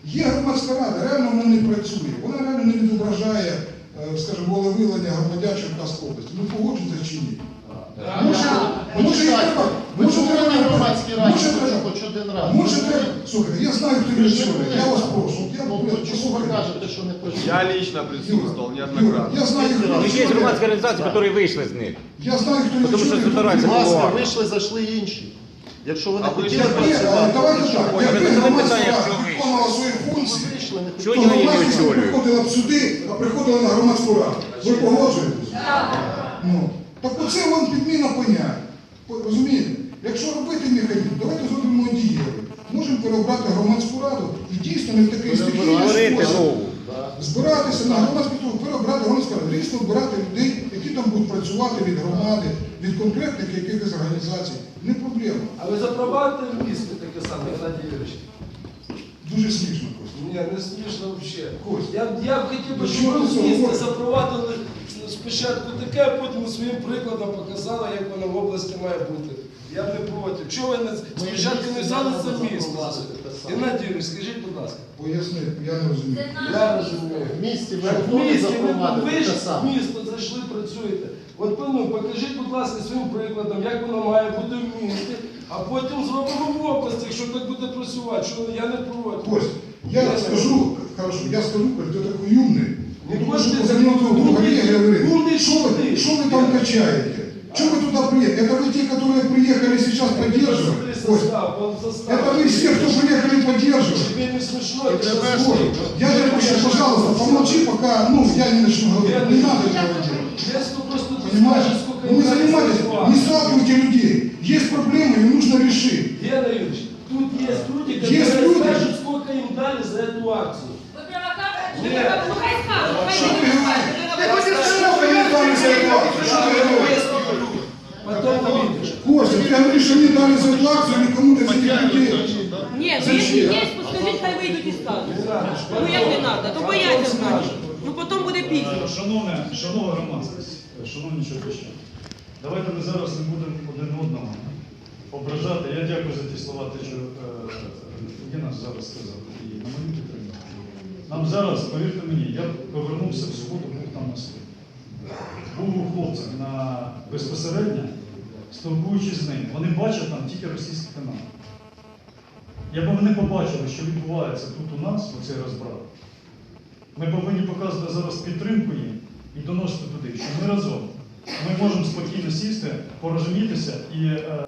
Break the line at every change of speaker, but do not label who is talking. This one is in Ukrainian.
Є громадська рада, реально вона не працює, вона реально не відображає, скажімо, волевиявлення громадян Черкаської області. Ви погоджуєтеся чи ні? Може треба,
хоч один раз.
може треба, слухайте, я знаю, хто працює, я вас прошу.
Чому ви кажете, що не працює?
Я лично присутствовал неоднократно.
Я знаю, хто
Есть
працює.
громадские организации, которые вышли из них.
Я знаю, хто
Тому що
працює.
збирається
Будь ласка,
повага.
вийшли, зайшли інші. Якщо ви не
А ви
хотіли
ж
працювати,
Давайте так,
Ой,
якби
ви
громадська
питання,
рада
що ви?
виконувала свої функції,
вийшли, не
Чого
то
вони не
громадськість не
очолюють?
приходила б сюди, а приходила на громадську раду. Ви погоджуєтесь? Ну, так оце вам підміна понять. Розумієте? Якщо робити механізм, давайте зробимо дієвий. Можемо переобрати громадську раду і дійсно не в такий стихійний
Створити
спосіб
нову.
збиратися на громадську раду, переобрати громадську раду, дійсно обирати людей, які там будуть працювати від громади, від конкретних якихось організацій. Не проблема.
А ви запровадите в місті таке саме, Геннадій Юрійович?
Дуже смішно просто.
Ні, не смішно взагалі.
Кость.
Я б хотів би,
Ну,
щоб
що
ви
ти
в
це
місті
говориш?
запровадили спочатку таке, а потім своїм прикладом показали, як воно в області має бути. Я б не проти. Чого ви спочатку не взяли це місто? Геннадій Юрійович, скажіть, будь ласка.
Поясни, я не розумію.
Я розумію.
В місті ви
Так, в
готові
місті
запровадити
ви ж
те
в
саме.
місто зайшли, працюєте. От ну, покажіть, будь ласка, своїм прикладом, як воно має бути в місті, а потім зробимо в області, якщо так буде працювати, що я не проти.
Кость, я скажу, хорошо, я скажу, Кость, ти такий умний.
Не
Ну,
можете
за мною друга Олега говорит,
умный
что вы там качаете? Что вы туда приехали? Это вы те, которые приехали сейчас поддерживать? Кость, это вы все, кто приехали поддерживать?
Тебе не смешно,
Это
это
Кость, я же прошу, пожалуйста, помолчи, пока, я не начну говорить. Не надо этого делать.
Если просто
Понимаешь?
скажешь, сколько
Вы не
им дали
занимайтесь,
зарплату.
не сталкивайте людей. Есть проблемы, их нужно решить.
Гена Юрьевич, тут есть люди,
Есть
которые
люди.
скажут, сколько им дали за эту акцию.
Ви провокатор?
Нет.
Ну хай скажуть, хай
Что ты
не
говоришь? Что вы не дали за эту акцию? Что ты говоришь?
Потом увидишь.
Костя, ты говоришь, что не дали за эту акцию никому-то из этих людей.
Ні, ну якщо є, поскажіть, хай вийдуть і скажуть. Ну як не треба, то бояться значить. Ну потім буде пізно.
Шановна громадськість, шановні черкащани, давайте ми зараз не будемо один одного ображати. Я дякую за ті слова, те, що Гена зараз сказав, і на мою підтримку. Нам зараз, повірте мені, я повернувся в суботу, був там на суді. Був у хлопцях безпосередньо, спілкуючись з ними. Вони бачать там тільки російські канали. Якби вони побачили, що відбувається тут у нас, оцей розбрат, ми повинні показувати зараз підтримку їм і доносити туди, що ми разом. Ми можемо спокійно сісти, порозумітися і